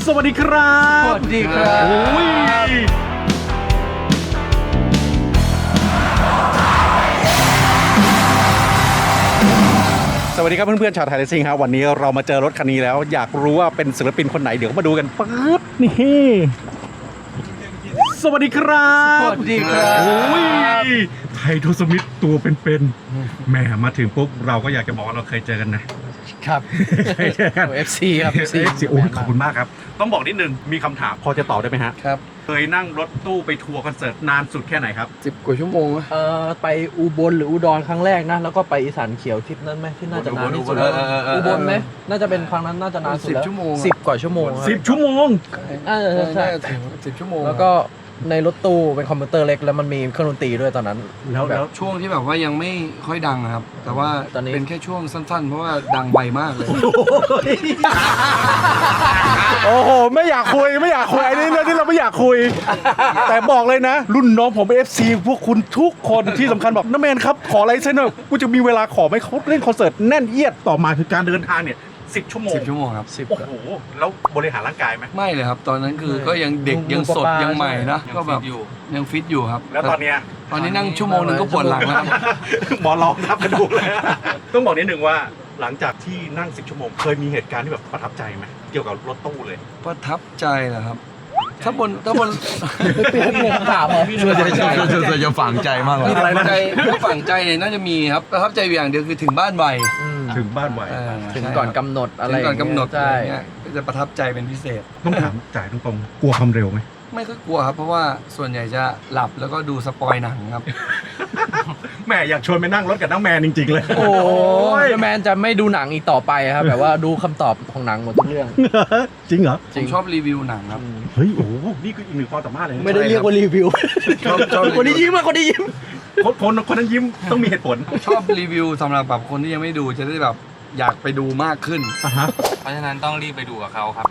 สวัสดีครับสวัสดีครับสวัสดีครับเพื่อนๆชาวไทยเลสซิ่งครับวันนี้เรามาเจอรถคันนี้แล้วอยากรู้ว่าเป็นศิลปินคนไหนเดี๋ยวมาดูกันปึ๊บนี่สวัสดีครับสวัสดีครับโอ้ยไทโทสมิธตัวเป็นๆแหมมาถึงปุ๊บเราก็อยากจะบอกว่าเราเคยเจอกันนะครับ FC ครับ FC โอ้ยขอบคุณมากครับต้องบอกนิดนึงมีคำถามพอจะตอบได้ไหมฮะครับเคยนั่งรถตู้ไปทัวร์คอนเสิร์ตนานสุดแค่ไหนครับ 10 กว่าชั่วโมงไปอุบลหรืออุดรครั้งแรกนะแล้วก็ไปอีสานเขียวทริปนั้นไหมที่น่าจะนานที่สุดอุบลไหมน่าจะเป็นครั้งนั้นน่าจะนานสุดแล้ว10 ชั่วโมง10 กว่าชั่วโมง 10 ชั่วโมงใช่10 ชั่วโมงแล้วก็ในรถตู้เป็นคอมพิวเตอร์เล็กแล้วมันมีเครื่องดนตรีด้วยตอนนั้นแล้วช่วงที่แบบว่ายังไม่ค่อยดังนะครับ แต่ว่าตอนนี้เป็นแค่ช่วงสั้นๆ เพราะว่าดังไวมากเลยโอ้โหไม่อยากคุยอันนี้เรื่องที่เราไม่อยากคุย แต่บอกเลยนะ รุ่นน้องผม FC พวกคุณทุกคนที่สำคัญบอกน้าแมนครับขออะไรเส้นหน่อยกูจะมีเวลาขอไม่เขาเล่นคอนเสิร์ตแน่นเอียดต่อมาคือการเดินทางเนี่ย10 ชั่วโมง 10 ชั่วโมงครับ 10 โอ้โหแล้วบริหารร่างกายไหมไม่เลยครับ ตอนนั้นคือก็ยังเด็กดูยังสดปลายัยังใหม่นะใช่ก็แบบยังฟิตอยู่ครับแล้วตอนเนี้ยตอนนี้นั่งชั่วโมงหนึงก็ปวดหลังแล้วครับหมอลองทับกระดูกเลยต้องบอกนิดนึงว่าหลังจากที่นั่ง10 ชั่วโมงเคยมีเหตุการณ์ที่แบบประทับใจไหมเกี่ยวกับรถตู้เลยประทับใจเหรอครับ ถ้าบนเป็นคำถามเหรอจะฝังใจมากเลยอะไรนะใจถ้าฝังใจเนี่ยน่าจะมีครับประทับใจอย่างเดียวคือถึงบ้านไวถึงบ้านไวถึงก่อนกำหนดอะไรถึงก่อนกำหนดใช่อะไรเงี้ยก็จะประทับใจเป็นพิเศษต้องถามจ่ายตรงๆกลัวความเร็วไหมไม่ค่อยกลัวครับเพราะว่าส่วนใหญ่จะหลับแล้วก็ดูสปอยหนังครับแหม่อยากชวนไปนั่งรถกับน้องแมนจริงๆเลยโอ้ยแมนจะไม่ดูหนังอีกต่อไปครับแบบว่าดูคำตอบของหนังหมดทุกเรื่องจริงเหรอผมชอบรีวิวหนังครับเฮ้ยโอ้โหนี่คืออีกหนึ่งความสามารถเลยนะไม่ได้เรียกว่ารีวิวชอบคนที่ยิ้มอะคนที่ยิ้มคนนั้นยิ้มต้องมีเหตุผลชอบรีวิวสำหรับแบบคนที่ยังไม่ดูจะได้แบบอยากไปดูมากขึ้นอ่ะฮะเพราะฉะนั้นต้องรีบไปดูกับเขาครับ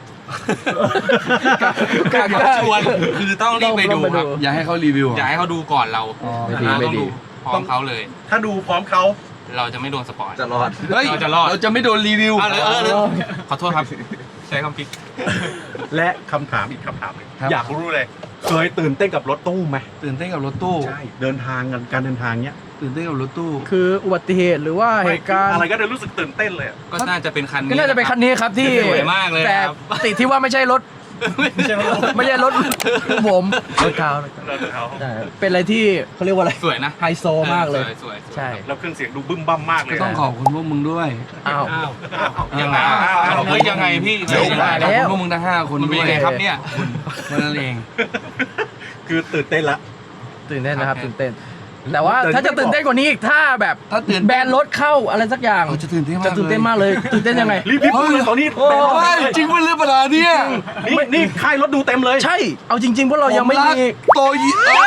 กล้าชวนคือต้องรีบไปดูครับอย่าให้เขารีวิวอยากให้เขาดูก่อนเราอ๋อไม่ดีเราไม่ต้องดีดูพร้อมเขาเลยถ้าดูพร้อมเขาเราจะไม่โดนสปอยจะรอดเฮ้ยเราจะรอดเราจะไม่โดนรีวิวเลยขอโทษครับ ใช้คำพิกและคำถามอีกคำถามหนึ่งครับอยากรู้เลยเคยตื่นเต้นกับรถตู้ไหมตื่นเต้นกับรถตู้ใช่เดินทางกันการเดินทางเนี้ยตื่นเต้นกับรถตู้คืออุบัติเหตุหรือว่าเหตุการณ์อะไรก็ได้รู้สึกตื่นเต้นเลยอะก็น่าจะเป็นคันนี้ก็น่าจะเป็นคันนี้ครับที่สวยมากเลยแต่ครับติดที่ว่าไม่ใช่รถ ไม่ใช่รถผมรถเขารถเขาใช่เป็นอะไรที่เขาเรียกว่าอะไรสวยนะไฮโซมากเลยสวยใช่แล้วเครื่องเสียงดูบึ้มบั้มมากเลยก็ต้องขอบคุณพวกมึงด้วยอ้าวอ้าวยังไงเฮ้ยยังไงพี่เดี๋ยวมาขอบแล้คุณวพวกมึงทั้ง5 คนมันด้เป็นวยยังไงครับเนี่ยแค่นั้นเองคือตื่นเต้นละตื่นเต้นนะครับครับตื่นเต้นแต่ว่าถ้าจะตื่นเต้นกว่านี้อีกถ้าแบบถ้าตื่นแบรนด์รถเข้าอะไรสักอย่างเราจะตื่นเต้นมากจะตื่นเต้นมากเลยตื่นเต้นยังไงรีบพูดเลยตอนนี้โอ้เฮ้ยจริงเป็นเรื่องประหลาดเนี่ยนี่ค่ายรถดูเต็มเลยใช่เอาจริงๆพวกเรายังไม่ผรักมีโตยิ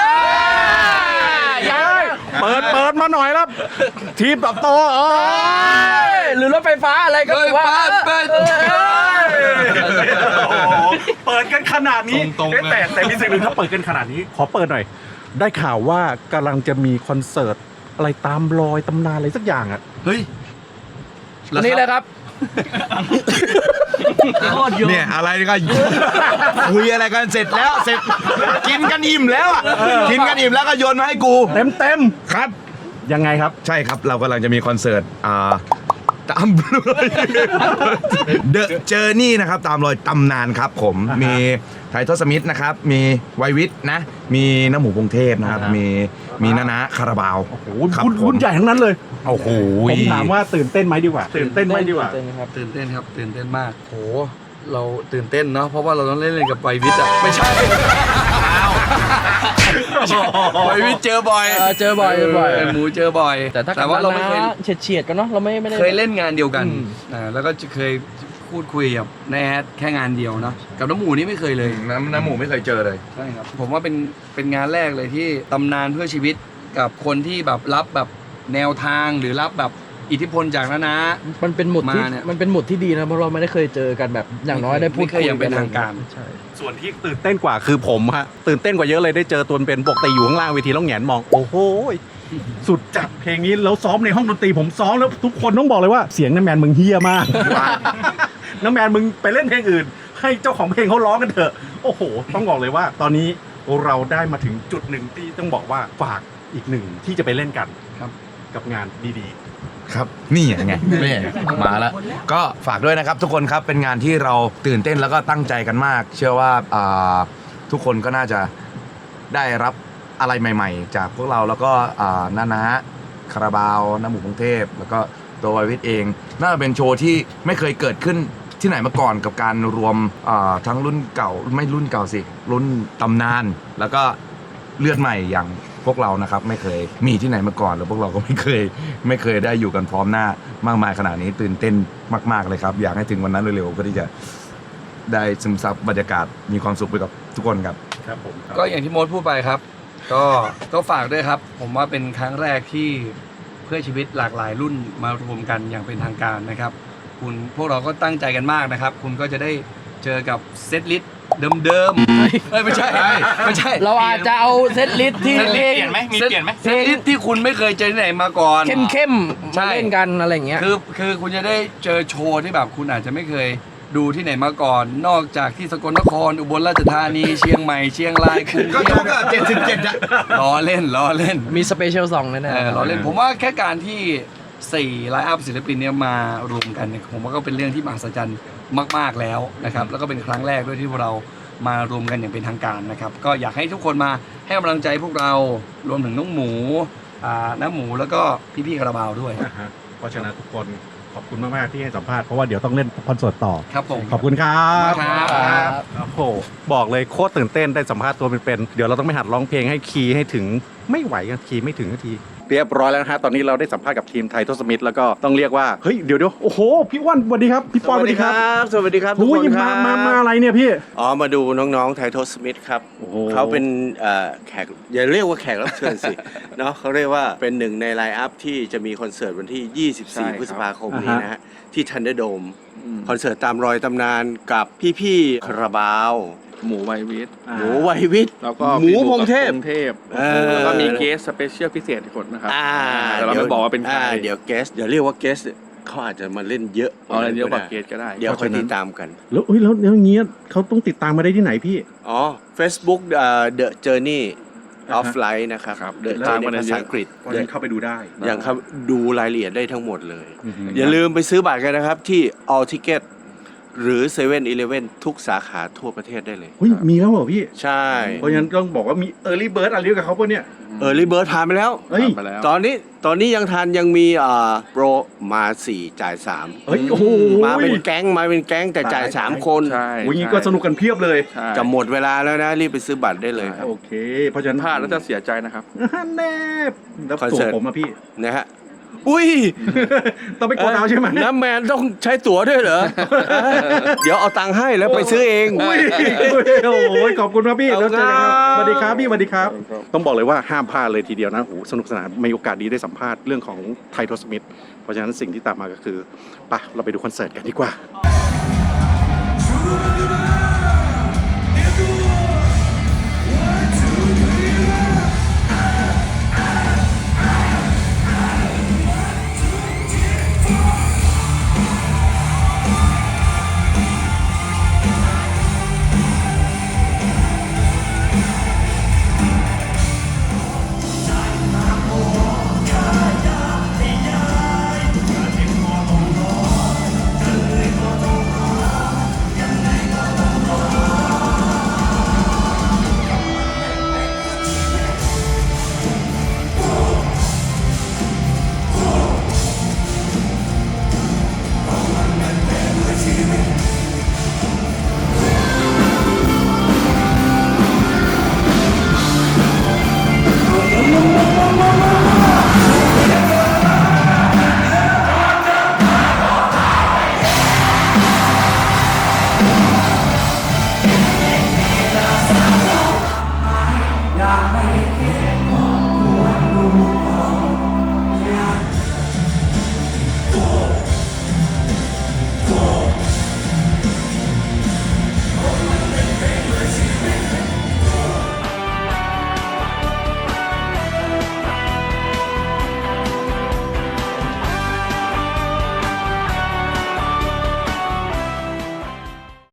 ยังเปิดมาหน่อยแล้วทีมตับโตหรือรถไฟฟ้าอะไรก็เฮ้ยว่าเปิดโอ้โหเปิดกันขนาดนี้ตรงๆเลยแต่มีสิ่งหนึ่งถ้าเปิดกันขนาดนี้ ขอเปิดหน่อย ได้ข่าวว่ากำลังจะมีคอนเสิร์ตอะไรตามรอยตำนานอะไรสักอย่างอ่ะเฮ้ยอันนี้เลยครับเนี่ยอะไรก็คุยอะไรกันเสร็จแล้วเสร็จกินกันอิ่มแล้วอ่ะกินกันอิ่มแล้วก็โยนมาให้กูเต็มครับยังไงครับใช่ครับเรากำลังจะมีคอนเสิร์ตตามรอยเดอะเจอร์นี่นะครับตามรอยตำนานครับผมอ่าฮะมีไททอสมิธนะครับมีไววิทนะ มีน้ำหมูกรุงเทพนะครับอ่าฮะมีนาคาราบาวโอ้โหครับรุ่นใหญ่ทั้งนั้นเลยโอ้โหผมถามว่าตื่นเต้นไหมดีกว่า ตื่นเต้นไหมดีกว่าตื่นเต้นครับตื่นเต้นครับตื่นเต้นมากโหเราตื่นเต้นเนาะเพราะว่าเราต้องเล่นกับไววิทย์อ่ะไม่ใช่ไววิทย์เจอบ่อยเจอบ่อยหมูเจอบ่อยแต่ถ้าว่าเราไม่เคยเฉียดกันเนาะเราไม่ได้เคยเล่นงานเดียวกันอืมแล้วก็เคยพูดคุยกับนายแอดแค่งานเดียวเนาะกับน้ำหมูนี่ไม่เคยเลยน้ำหมูไม่เคยเจอเลยใช่ครับผมว่าเป็นงานแรกเลยที่ตำนานเพื่อชีวิตกับคนที่แบบรับแบบแนวทางหรือรับแบบอิทธิพลจากน้ามันเป็นหมุดที่มาเนี่ยมันเป็นหมุดที่ดีนะเพราะเราไม่ได้เคยเจอกันแบบอย่างน้อยได้พูดไม่เคยอย่างเป็นทางการใช่ส่วนที่ตื่นเต้นกว่าคือผมฮะตื่นเต้นกว่าเยอะเลยได้เจอตัวเป็นปกติอยู่ข้างล่างเวทีแล้วแหงนมองโอ้โหสุดจัดเพลงนี้แล้วซ้อมในห้องดนตรีผมซ้อมแล้วทุกคนต้องบอกเลยว่าเสียงน้ำแมนมึงเฮี้ยมาก น้ำแมนมึงไปเล่นเพลงอื่นให้เจ้าของเพลงเขาร้องกันเถอะโอ้โหต้องบอกเลยว่า ตอนนี้เราได้มาถึงจุดหนึ่งที่ต้องบอกว่าฝากอีกหนึ่งที่จะไปเล่นกันครับกับงานดีครับนี่ไงนี่มาแล้วก็ฝากด้วยนะครับทุกคนครับเป็นงานที่เราตื่นเต้นแล้วก็ตั้งใจกันมาก เชื่อว่าทุกคนก็น่าจะได้รับอะไรใหม่ๆ จากพวกเราแล้วก็นาคาราบาวน้ำหมูกรุงเทพแล้วก็ตัวไววิทเองน่าจะเป็นโชว์ที่ไม่เคยเกิดขึ้นที่ไหนมาก่อนกับการรวมทั้งรุ่นเก่าไม่รุ่นเก่าสิรุ่นตำนานแล้วก็เลือดใหม่อย่างพวกเรานะครับไม่เคยมีที่ไหนมาก่อนแล้วพวกเราก็ไม่เคยได้อยู่กันพร้อมหน้ามากมายขนาดนี้ตื่นเต้นมากๆเลยครับอยากให้ถึงวันนั้นเร็วๆเพื่อที่จะได้ซึมซับบรรยากาศมีความสุขไปกับทุกคนครับๆครับผมก็อย่างที่โมดพูดไปครับ ก็ฝากด้วยครับ ผมว่าเป็นครั้งแรกที่เพื่อชีวิตหลากหลายรุ่นมารวมกันอย่างเป็นทางการนะครับพวกเราก็ตั้งใจกันมากนะครับ คุณก็จะได้เจอกับเซตลิสต์เดิมๆไม่ใช่ไม่ใช่เราอาจจะเอาเซตลิสต์ที่เปเพลลี่งยนไหมมีเปลี่ยนไหมเซตลิสต์ที่คุณไม่เคยเจอที่ไหนมาก่อนเข้มๆใช่มาเล่นกันอะไรอย่างเงี้ยคือคุณจะได้เจอโชว์ที่แบบคุณอาจจะไม่เคยดูที่ไหนมาก่อน นอกจากที่สกลนครอุบลราชธานีเชียงใหม่เชียงรายกรุงก็เททุพก77อะล้อเล่นมีสเปเชียลซองแน่ๆล้อเล่นผมว่าแค่การที่4ไลน์อัพศิลปินเนี่ยมารวมกันเนี่ยผมว่าก็เป็นเรื่องที่มหัศจรรย์มากๆแล้วนะครับแล้วก็เป็นครั้งแรกด้วยที่พวกเรามารวมกันอย่างเป็นทางการนะครับก็อยากให้ทุกคนมาให้กำลังใจพวกเรารวมถึงน้องหมูน้ำหมูแล้วก็พี่ๆคาราบาวด้วยนะฮะเพราะฉะนั้นทุกคนขอบคุณมากๆที่ให้สัมภาษณ์เพราะว่าเดี๋ยวต้องเล่นคอนเสิร์ตต่อครับผมขอบคุณครับครับโอ้โหบอกเลยโคตรตื่นเต้นได้สัมภาษณ์ตัวเป็นๆเดี๋ยวเราต้องไปหัดร้องเพลงให้คีย์ให้ถึงไม่ไหวกันคีย์ไม่ถึงนาทีเรียบร้อยแล้วนะฮะตอนนี้เราได้สัมภาษณ์กับทีมไททอสมิธแล้วก็ต้องเรียกว่าเฮ้ยเดี๋ยวโอ้โหพี่อ้วนสวัสดีครับพี่ปอนสวัสดีครับสวัสดีครับทุกโอ้คยนครับมาอะไรเนี่ยพี่อ๋อมาดูน้องๆไททอสมิธครับโอ้โหเขาเป็นแขกอย่าเรียกว่าแขกรับเชิญสิ เนาะเขาเรียกว่าเป็นหนึ่งในไลน์อัพที่จะมีคอนเสิร์ตวันที่ 24 พฤษภาคมนี้นะฮะที่ทันเดอร์โดมคอนเสิร์ตตามรอยตำนานกับพี่ๆคาราบาวหมูไววิทหมูไววิทย์แล้วก็หมูพงเทพพงเทพเออแล้วก็มีเกสสเปเชียลพิเศษอีกคนนะครับอ่าแต่เราไม่บอกว่าเป็นใครเดี๋ยวเกสเดี๋ยวเรียกว่าเกสเขาอาจจะมาเล่นเยอะเอาอะไรเยอะกว่าเกสก็ได้เดี๋ยวค่อยติดตามกันแล้วอย่างเงี้ยเขาต้องติดตามมาได้ที่ไหนพี่อ๋อ Facebook The Journey of Life นะครับครับ The ตาม Journey มาได้ภาเยษาอะอังกฤษเพราะฉะนั้นเข้าไปดูได้อย่างครับดูรายละเอียดได้ทั้งหมดเลย อย่าลืมไปซื้อบัตรกันนะครับที่ All Ticket หรือ7-Eleven ทุกสาขาทั่วประเทศได้เลยเฮ้ยมีแล้วเหรอพี่ใช่เพราะฉะนั้นต้องบอกว่ามี Early Bird อะไรกับเขาปะเนี่ย Early Bird ผ่านไปแล้วเฮ้ยไปแล้วตอนนี้ยังทันยังมีโปรมา4จ่าย3 เฮ้ยโอ้โหมาเป็นแก๊งแต่จ่าย3คนใช่โอ้ยงี้ก็สนุกกันเพียบเลยใช่จะหมดเวลาแล้วนะรีบไปซื้อบัตรได้เลยครับโอเค เพราะฉะนั้นพลาดแล้วจะเสียใจนะครับแน่แล้วคอนตัวเสิร์ตผมอะพี่นะฮะอุ้ยต้องไปกดเอาใช่ไหมน้ำแมนต้องใช้ตั๋วด้วยเหรอ เดี๋ยวเอาตังค์ให้แล้วไปซื้อเองอุ้ยโอ้ยขอบคุณครับพี่แล้วเจอกันครับสวัสดีครับพี่สวัสดีครับ ต้องบอกเลยว่าห้ามพลาดเลยทีเดียวนะโอ้โหสนุกสนานมีโอกาสดีได้สัมภาษณ์เรื่องของไททอสมิธเพราะฉะนั้นสิ่งที่ตามมาก็คือไปเราไปดูคอนเสิร์ตกันดีกว่า